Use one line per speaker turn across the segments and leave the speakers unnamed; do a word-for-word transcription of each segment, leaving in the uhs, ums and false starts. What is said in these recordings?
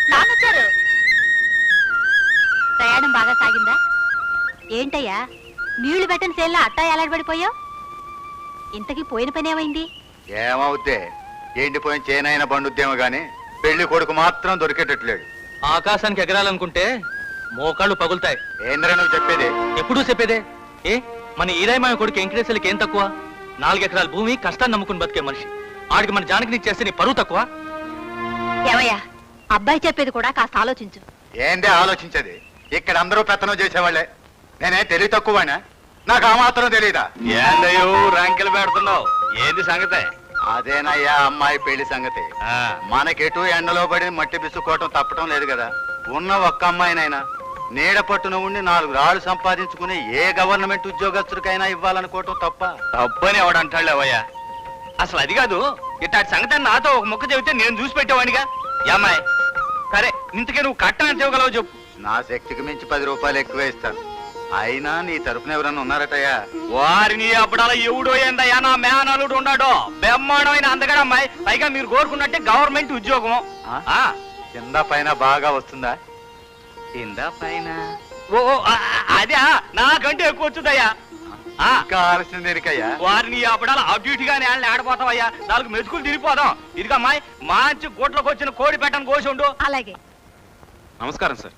నాన్నొచ్చారు. ప్రయాణం బాగా సాగిందా? ఏంటయ్యా నీళ్లు పెట్టని సేల్లా అట్టా ఎలాడబడిపోయావు? ఇంతకీ పోయిన పని ఏమైంది?
ఏమవుద్దే, ఎండిపోయిన చేనైనా బండుద్దేమో గాని పెళ్లి కొడుకు మాత్రం దొరికేటట్లేడు.
ఆకాశానికి ఎగరాలనుకుంటే మోకాళ్ళు పగులుతాయి.
ఏంద్రా నువ్వు చెప్పేది?
ఎప్పుడూ చెప్పేదే. ఏ మన ఈరాయమాయ కొడుకు వెంకటేశ్వరికి ఏం తక్కువ? నాలుగెకరాల భూమి కష్టాన్ని నమ్ముకుని బతికే మనిషి. ఆడికి మన జానకిని చేస్తే నీ పరువు తక్కువ?
ఏమయ్యా అబ్బాయి చెప్పేది కూడా కాస్త ఆలోచించు.
ఏందే ఆలోచించేది? ఇక్కడ అందరూ పెత్తనం చేసేవాళ్లే. నేనే తెలివి తక్కువనా? నాకు ఆ మాత్రం తెలియదా?
ఏందయ్యో ర్యాంకులు పెడుతున్నావు? ఏంది సంగతే?
అదేనయ్యా అమ్మాయి పెళ్లి సంగతి. మనకెటు ఎండలో పడి మట్టి బిసుకోవటం తప్పటం లేదు కదా. ఉన్న ఒక్క అమ్మాయినైనా నీడ పట్టున ఉండి నాలుగు రాళ్ళు సంపాదించుకుని ఏ గవర్నమెంట్ ఉద్యోగస్తుడికైనా ఇవ్వాలనుకోవటం తప్ప?
తప్పని ఎవడంటాడు అవయ్యా. అసలు అది కాదు, ఇట్లాంటి సంగతి నాతో ఒక మొక్క చెబితే నేను చూసి పెట్టేవాడిగా. అమ్మాయి సరే, ఇంతకే నువ్వు కట్టని ఎంత ఇవ్వగలవు చెప్పు.
నా శక్తికి మించి పది రూపాయలు ఎక్కువ ఇస్తాను. అయినా నీ తరఫున ఎవరన్నా ఉన్నారటయ్యా?
వారిని అప్పుడలా ఎవడో ఏందయ్యా, నా మేనలుడు ఉన్నాడో బ్రహ్మాండమైన అందగడ అమ్మాయి. పైగా మీరు కోరుకున్నట్టే గవర్నమెంట్ ఉద్యోగం.
కింద పైన బాగా వస్తుందా?
కింద పైన ఓ అదే నాకంటే ఎక్కువ వచ్చుదయ్యా.
కావాల్సింది దేనికయ్యా?
వారిని అప్పుడలా అటు ఇటుగానే ఆడిపోతావయ్యా. నాలుగు మెతుకులు తిరిగిపోదాం. ఇదిగా అమ్మాయి మంచి గుట్లకు వచ్చిన కోడి పెట్టని కోసి ఉండు.
అలాగే.
నమస్కారం సార్.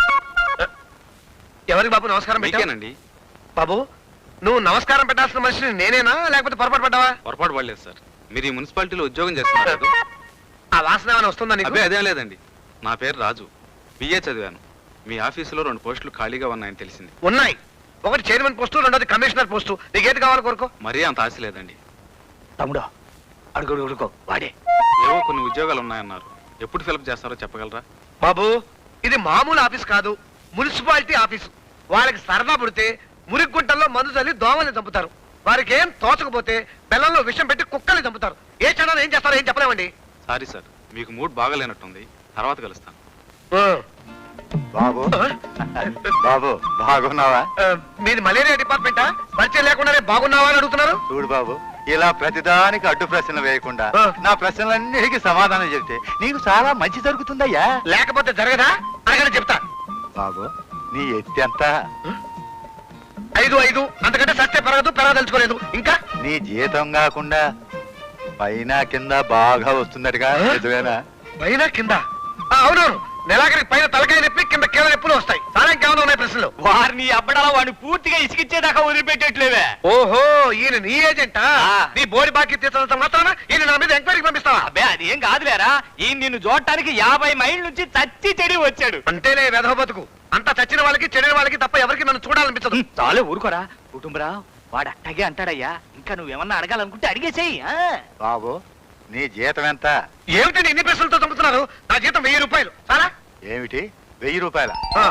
ఎవరికి బాబు నమస్కారం పెట్టానండి? బాబు నువ్వు నమస్కారం పెట్టాల్సిన మనిషిని నేనేనా, లేకపోతే పొరపాటు పడ్డావా?
పొరపాటు పడలేదు సార్. మీరు ఈ మున్సిపాలిటీలో ఉద్యోగం చేస్తున్నారు.
ఆ వాసన ఏమైనా వస్తుందా నీకు?
అదే అదేం లేదండి. నా పేరు రాజు, బిఏ చదివాను. మీ ఆఫీసులో రెండు పోస్టులు ఖాళీగా ఉన్నాయని తెలిసింది.
ఉన్నాయి. ఒకటి చైర్మన్ పోస్టు, రెండోది కమిషనర్ పోస్టు. నీకేది కావాలి కోరుకో.
మరీ అంత ఆశ లేదండి.
తమ్ముడు అడుగు అడుగుకో, వాడే.
ఏవో కొన్ని ఉద్యోగాలు ఉన్నాయన్నారు. ఎప్పుడు ఫిలప్ చేస్తారో చెప్పగలరా?
బాబు ఇది మామూలు ఆఫీస్ కాదు, మున్సిపాలిటీ ఆఫీసు. వాళ్ళకి సరదా పుడితే మురిగుంటల్లో మందు చల్లి దోమల్ని చంపుతారు. వారికి ఏం తోచకపోతే బెల్లంలో విషం పెట్టి కుక్కల్ని చంపుతారు. ఏ క్షణాలు ఏం చేస్తారో ఏం చెప్పలేమండి.
సారీ సార్, మీకు మూడ్ బాగాలేనట్టుంది. తర్వాత కలుస్తాను.
బాబు బాబు బాగున్నావా?
మీది మలేరియా డిపార్ట్మెంటా? పరిచయం లేకుండానే బాగున్నావా అని అడుగుతున్నారు.
చూడు బాబు, ఇలా ప్రతిదానికి అడ్డు ప్రశ్నలు వేయకుండా నా ప్రశ్నలన్నిటికీ సమాధానం చెప్తే నీకు చాలా మంచి జరుగుతుందయ్యా.
లేకపోతే జరగదా? అనగానే చెప్తా.
బాబు నీ ఎత్తి ఎంత?
ఐదు ఐదు అంతకంటే సస్తే పెరగదు, పెరగదలుచుకోలేదు. ఇంకా
నీ జీతం కాకుండా పైన కింద బాగా వస్తుందటగా, నిజమేనా?
పైన కింద? అవునవును. నెలాఖరికి పైన తలకాయ నొప్పి, కింద కీళ్ళ నొప్పులు వస్తాయి. చాలా ఇంకేమైనా ఉన్నాయి ప్రశ్నలు?
వారిని అబ్బడాల వాడిని పూర్తిగా ఇసికిచ్చేదాకా వదిలిపెట్టేట్లేవే.
ఓహో, ఈయన నీ ఏజెంటా? నీ బోడి బాకీ తీర్చడంత మాత్రాన ఈయన నా మీద ఎంక్వైరీకి పంపిస్తావా?
అబ్బే అదేం కాదులేరా, ఈ నిన్ను చూడటానికి యాభై మైళ్ళ నుంచి చచ్చి చెడి వచ్చాడు.
అంతేలే వెధవ బతుకు. అంతా చచ్చిన వాళ్ళకి చెడిన వాళ్ళకి తప్ప ఎవరికి నన్ను చూడాలనిపించదు.
చాలే ఊరుకోరా కుటుంబరా. వాడు అట్టగే అంటాడయ్యా. ఇంకా నువ్వేమన్నా అడగాలనుకుంటే అడిగేసేయి.
బాబు నీ జీతం ఎంత?
ఏమిటి ఇన్ని ప్రశ్నలతో చంపుతున్నారు? నా జీతం వెయ్యి రూపాయలు. చాలా.
ఏమిటి వెయ్యి రూపాయల?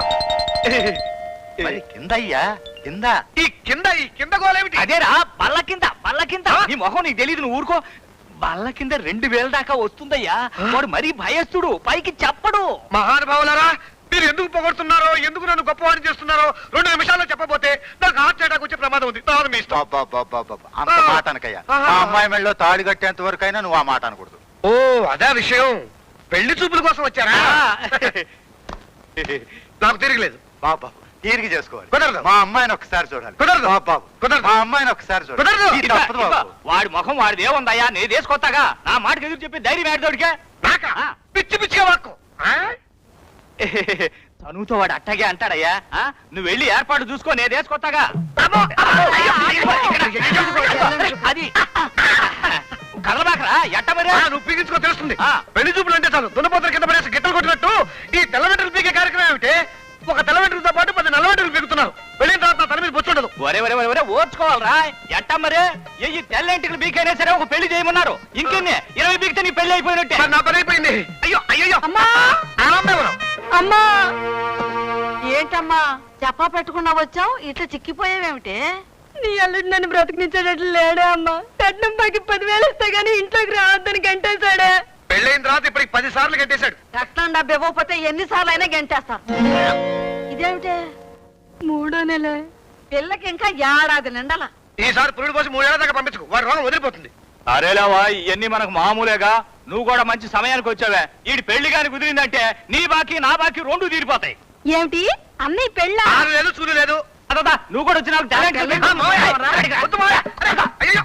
మరి కింద అయ్యా, కింద.
ఈ కింద ఈ కింద గోలేమిటి?
అదేరా బల్ల కింద, బల్ల కింద. నీ మొహం నీకు తెలియదు, నువ్వు ఊరుకో. బల్ల కింద రెండు వేల దాకా వస్తుందయ్యా. వాడు మరీ భయస్తుడు, పైకి చెప్పడు.
మహానుభావులారా, మీరు ఎందుకు పొగడుతున్నారో, ఎందుకు నన్ను గొప్పవాడిని చేస్తున్నారో రెండు నిమిషాల్లో చెప్పబోతే నాకు హార్ట్ అటాక్ వచ్చే ప్రమాదం ఉంది. తర్వాత మీ ఇష్టం.
అంత మాట అనకయ్యా. ఆ అమ్మాయి మెళ్ళలో తాడి కట్టేంత వరకు అయినా నువ్వు ఆ మాట అనకూడదు.
ఓ అదే విషయం. పెళ్లి చూపుల కోసం వచ్చారా? నాకు తిరగలేదు.
బాబు తీరిగి చేసుకోవాలి.
కుదరదు.
మా అమ్మాయిని ఒకసారి చూడాలి.
కుదరదు
బాబు,
కుదరదు.
మా అమ్మాయిని ఒకసారి చూడాలి.
కుదరదు.
ఇది తప్పదు బాబు.
వాడి ముఖం వాడిది ఏముందయ్యా, నేను తీసుకొస్తాగా. నా మాటకి ఎదురు చెప్పి ధైర్యం ఏడదోడికే.
నాకా? పిచ్చి పిచ్చిగా వాక్కు.
చనువుతో వాడు అట్టగే అంటాడయ్యా. నువ్వు వెళ్ళి ఏర్పాటు చూసుకో, నేను తీసుకొస్తాగా. అది కదలబాకరా ఎట్ట మరి.
నువ్వు పీగించుకో తెలుస్తుంది. పెళ్లి చూపులు అంటే చాలు దున్నపోతల కింద పడేసి గిట్టలు కొట్టినట్టు ఈ తెల్లవెంట్రులు పీకే కార్యక్రమం ఏమిటి? ఒక తెల్లవెంట్రులతో పాటు పది నల్లవెంట్రులు పీకుతున్నారు. వెళ్ళిన తర్వాత తల మీద బొచ్చుండదు.
ఒరే ఒరే ఒరే ఓర్చుకోవాలరా. ఎట్ట మరి ఈ తెల్లంటికి బీకైనా సరే ఒక పెళ్లి చేయమన్నారు. ఇంకెన్ని ఇరవై బీకితే నీ పెళ్లి అయిపోయినట్టే.
నా పని అయిపోయింది. అయ్యో అయ్యో
అమ్మా,
ఎవరు?
అమ్మా ఏంటమ్మా చెప్పా పెట్టుకున్నా వచ్చావు, ఇట్లా చిక్కిపోయావేమిటి? నీ అల్లుడు నన్ను బ్రతికించేటట్లు లేడే అమ్మా. కట్నం పైకి పదివేలు ఇస్తే గానీ ఇంట్లోకి రావద్దని గంటేశాడే.
పెళ్ళైన తర్వాత ఇప్పటికి పది సార్లు గంటేశాడు.
కట్నం డబ్బు ఇవ్వకపోతే ఎన్నిసార్లు అయినా గంటేస్తారు. ఇదేమిటే మూడో నెల పిల్లకి ఇంకా ఏడాది నిండాల.
ఈసారి పురుడు పోసి మూడేళ్ల దాకా పంపించుకో, వాడి రోగం వదిలిపోతుంది.
అరేలేవా ఇవన్నీ మనకు మామూలేగా. నువ్వు కూడా మంచి సమయానికి వచ్చావే. ఈడి పెళ్లి గాని కుదిరిందంటే నీ బాకీ నా బాకీ రెండు తీరిపోతాయి.
ఏమిటి అన్నయ్య పెళ్ళా?
ఆరు లేదు చూడు లేదు.
అదా నువ్వు కూడా వచ్చి నాకు టాలెంట్ ఉంది.
ఆ, మావయ్య, వద్దు మావయ్య. అయ్యయ్యో.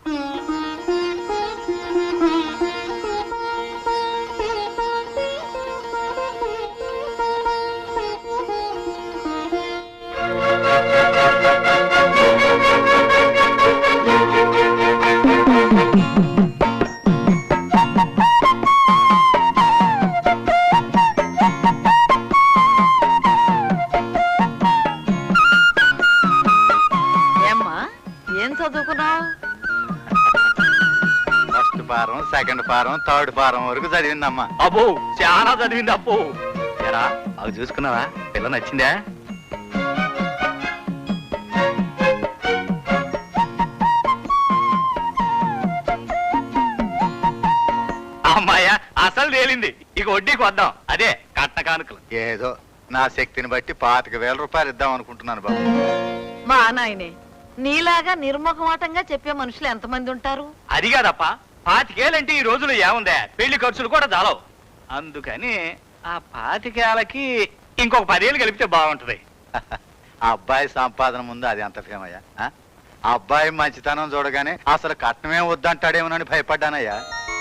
ఏమ్మా ఏం చదువుకున్నావు?
First form, second form, third form వరకు చదివిందమ్మా.
అబ్బో చాలా చదివింది అప్పు. ఎరా అవి చూసుకున్నావా? పిల్ల నచ్చిందా? అమ్మాయ అసలు తేలింది. ఇక వడ్డీకి వద్దాం. అదే కట్న కానుకలు.
ఏదో నా శక్తిని బట్టి పాతిక వేల రూపాయలు ఇద్దాం అనుకుంటున్నాను బాబు.
మా నాయనే నీలాగా నిర్ముఖమాటంగా చెప్పే మనుషులు ఎంతమంది ఉంటారు?
అది కాదప్ప, పాతికేలంటే ఈ రోజులు ఏముందే, పెళ్లి ఖర్చులు కూడా చాలవు. అందుకని ఆ పాతికేలకి ఇంకొక పదేళ్ళు కలిపితే బాగుంటది.
ఆ అబ్బాయి సంపాదన ముందు అది ఎంత ఫేమయ్యా? ఆ? ఆ అబ్బాయి మంచితనం చూడగానే అసలు కట్నమే వద్దంటాడేమోనని భయపడ్డానయ్యా.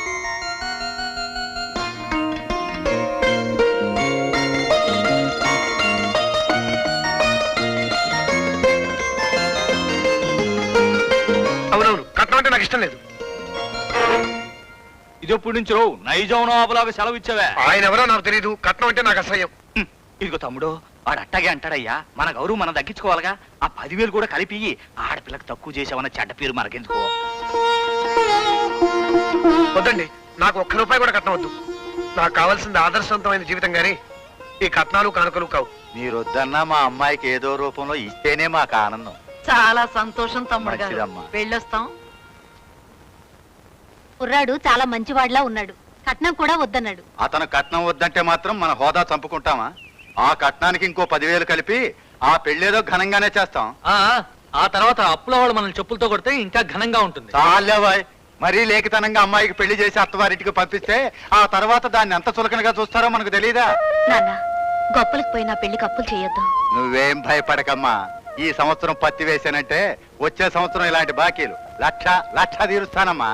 అవునవును, కట్నం అంటే నాకు ఇష్టం లేదు.
ఇది ఎప్పుడు నుంచి రో నైజాం నవాబులాగా సెలవు ఇచ్చావే.
ఆయన ఎవరో నాకు తెలియదు. కట్నం అంటే నాకు అసహ్యం.
హ్మ్. ఇదిగో తమ్ముడు, వాడు అట్టగే అంటాడయ్యా. మన గౌరవం మనం దక్కించుకోవాలిగా. ఆ పదివేలు కూడా కలిపి ఆడపిల్లకి తక్కువ చేసావన్న చెడ్డ పేరు మనకెందుకో.
వద్దండి, నాకు ఒక్క రూపాయి కూడా కట్నం వద్దు. నాకు కావాల్సింది ఆదర్శవంతమైన జీవితం గాని ఈ కట్నాలు కానుకలు కావు.
మీరు వద్దన్నా మా అమ్మాయికి ఏదో రూపంలో ఇస్తేనే మాకు ఆనందం.
చాలా సంతోషం తమ్ముడు గారు.
మంచిదమ్మా.
వెళ్ళొస్తాం.
కుర్రాడు చాలా మంచివాడిలా ఉన్నాడు. కట్నం కూడా వద్దన్నాడు.
అతను కట్నం వద్దంటే మాత్రం మన హోదా చంపుకుంటామా? ఆ కట్నానికి ఇంకో పదివేలు కలిపి ఆ పెళ్ళేదో ఘనంగానే చేస్తాం.
ఆ ఆ తర్వాత అప్పుల వాళ్ళు మనల్ని చెప్పులతో కొడితే ఇంకా ఘనంగా ఉంటుంది.
చాలేవాయ్, మరీ లేఖితనంగా అమ్మాయికి పెళ్లి చేసి అత్తవారింటికి పంపిస్తే ఆ తర్వాత దాన్ని ఎంత చులకనగా చూస్తారో మనకు తెలియదా?
నాన్న, గొప్పలకు పోయినా పెళ్లికి అప్పులు చేయొద్దు.
నువ్వేం భయపడకమ్మా. ఈ సంవత్సరం పత్తి వేసానంటే వచ్చే సంవత్సరం ఇలాంటి బాకీలు లక్ష లక్ష తీరుస్తానమ్మా.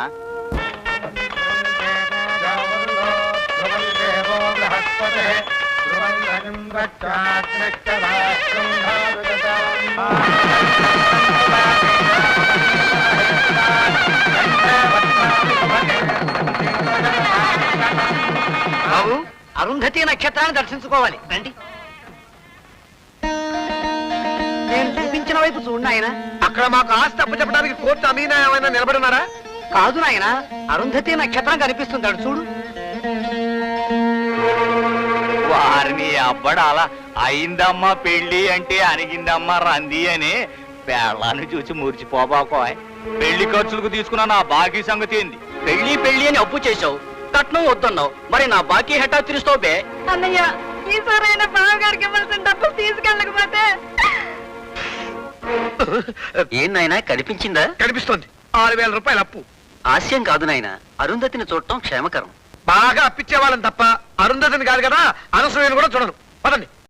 బాబు,
అరుంధతి నక్షత్రాన్ని దర్శించుకోవాలి రండి. నేను చూపించిన వైపు చూడు నాయన.
అక్కడ మాకు ఆస్తి అప్పు చెప్పడానికి కోర్టు అమీనా ఏమైనా నిలబడున్నారా?
కాదు నాయన, అరుంధతి నక్షత్రం కనిపిస్తుంది అటు చూడు.
వారిని అబ్బడాలా అయిందమ్మా పెళ్లి అంటే అనిగిందమ్మా రంది అని పేళ్ళాన్ని చూసి మురిచిపోబాకోయ్. పెళ్లి ఖర్చులకు తీసుకున్న నా బాకీ సంగతి ఏంది?
పెళ్లి పెళ్లి అని అప్పు చేశావు, కట్నం వద్దన్నావు. మరి నా బాకీ హెటా తీరుస్తావు బే?
అన్నయ్య ఈసారైనా బావగారికి ఇవ్వాల్సిన డబ్బులు తీసుకెళ్ళకపోతే
ఏం నాయనా, కనిపించిందా?
కనిపిస్తోంది. ఆరు వేల రూపాయలు అప్పు.
హాస్యం కాదు నాయన, అరుంధతిని చూడటం క్షేమకరం.
బాగా అప్పిచ్చే వాళ్ళని తప్ప అరుంధతిని కాదు కదా, అనసూయను కూడా చూడను. పదండి.